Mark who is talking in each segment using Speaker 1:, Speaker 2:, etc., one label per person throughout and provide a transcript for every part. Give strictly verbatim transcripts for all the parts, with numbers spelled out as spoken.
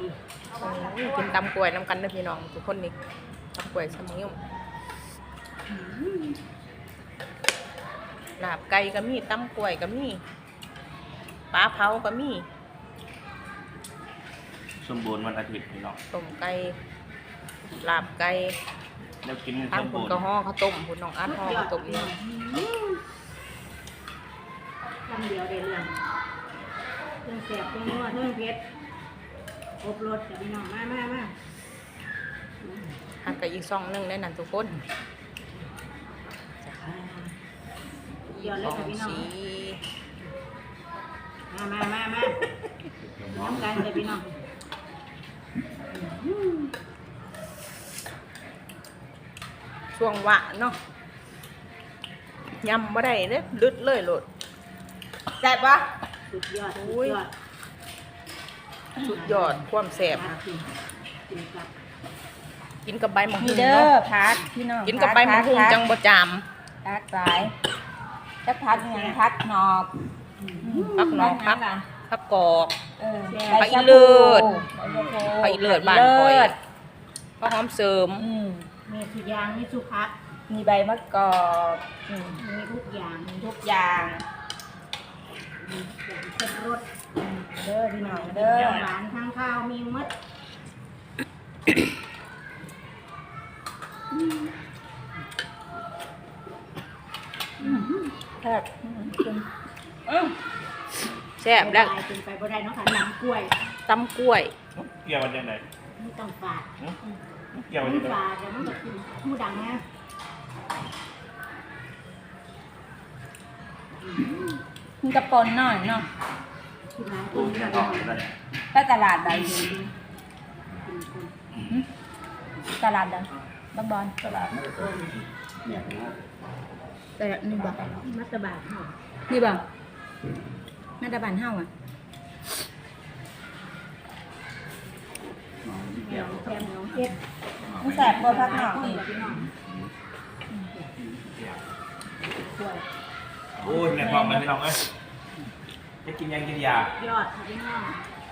Speaker 1: กินตำกล้วยน้ำกันเด้อพี่น้องทุกคนนี่ตำกล้วยสมัยลาบไก่ก็มีตำกล้วยก็มีปลาเผาก็มี
Speaker 2: สมบูรณ์วันอาทิตย์พี่น้อง
Speaker 1: ต้มไก่ลาบไก่
Speaker 2: แล้วกิน
Speaker 1: ทางคุณก็ห่อข้าวต้มคุณน้องอัดห่อข้าวต้มนี่
Speaker 3: คำเดียวได้เรื่องเรื่องแสบเรื่องนัวเรื่องเผ็ดอบรสกับพี่น้องมามามา
Speaker 1: หักกับอีกซองนึงได้นั่นทุกคน
Speaker 3: เดี๋ยวเลยกับพี่น้องมามามามาน้ำกันเลยพี่น้อง
Speaker 1: ช่วงวะเนาะยำบ่ได้เด้ลึดเลยโลดแซ่บปะ
Speaker 3: สุดยอดสุดยอด
Speaker 1: สุดยอดความแซ่บกินกับใบมะฮุ่ง
Speaker 4: เด้อพัดพี่น้อง
Speaker 1: กินกับใบมะฮุ่งจังบ่จาม
Speaker 4: พัดสายจะพัดยังพัดนอก
Speaker 1: พักนอกพักพักกอก
Speaker 4: ไปเลือด
Speaker 1: ไปเลือดบ้านคอยก็หอมเสริม
Speaker 3: มีทุกอย่างมีสุภัก
Speaker 4: มีใบมะกอก
Speaker 3: มีทุกอย่าง
Speaker 4: มีทุกอย่าง
Speaker 3: เผ็ดรส
Speaker 4: เด้อพี่น้องเด้อ
Speaker 3: หวานทั้งข้าวมีมด
Speaker 4: แซ่บ
Speaker 1: แซ่บแล้ว
Speaker 3: เป็นไปบ่ได้เนาะค่ะน้ำกล้วย
Speaker 1: ตำกล้วย
Speaker 2: เกี่ยวมันยังไง
Speaker 3: ไม่ต้องฝาด
Speaker 2: เกี่ยวมันยังไง
Speaker 3: ฝาดแต่มันจะกินหูดังนะ
Speaker 4: มีกระปนหน่อยเนาะ
Speaker 3: กินน้ำกินกัน
Speaker 4: ไปตลาดใดตลาดใดบางบอนตลาดแต่นี่บ่
Speaker 3: มัตตบาทเนาะ
Speaker 4: นี่บ่มัตตบาทเฮาอ่ะ
Speaker 3: เดี๋ยวแซมน้องเฮ็ด
Speaker 4: มันแสบบ่พักหนอกนี่
Speaker 2: โอ้ยแม่ทองมันพี่น้องเอ้ยจะกินยังกินยาย
Speaker 3: อดค่ะพี่น้อง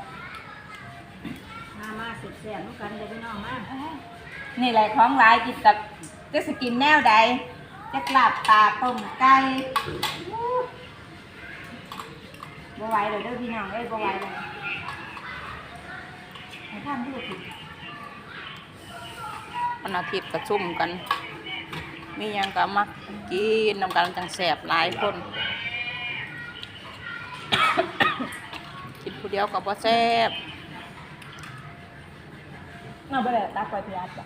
Speaker 3: มามาสุดแสบน้องกันเลยพี่น้องมา
Speaker 4: นี่แหละของหลายกินกับจะสกินแนวใดจะกลับปลาต้มไก่บ่ไหวเลยเด้อพี่น้องเอ้ยบ่ไหวเลยให้ท่านดูสิ
Speaker 1: วันอาทิตย์ก็ซุ่มกันมียังก็มักกินนำกันจังแสบหลายคนกินผู้เดียวก็บ่แซ่บ
Speaker 4: เอาไปเลยตักไปพี่อาจ้ะ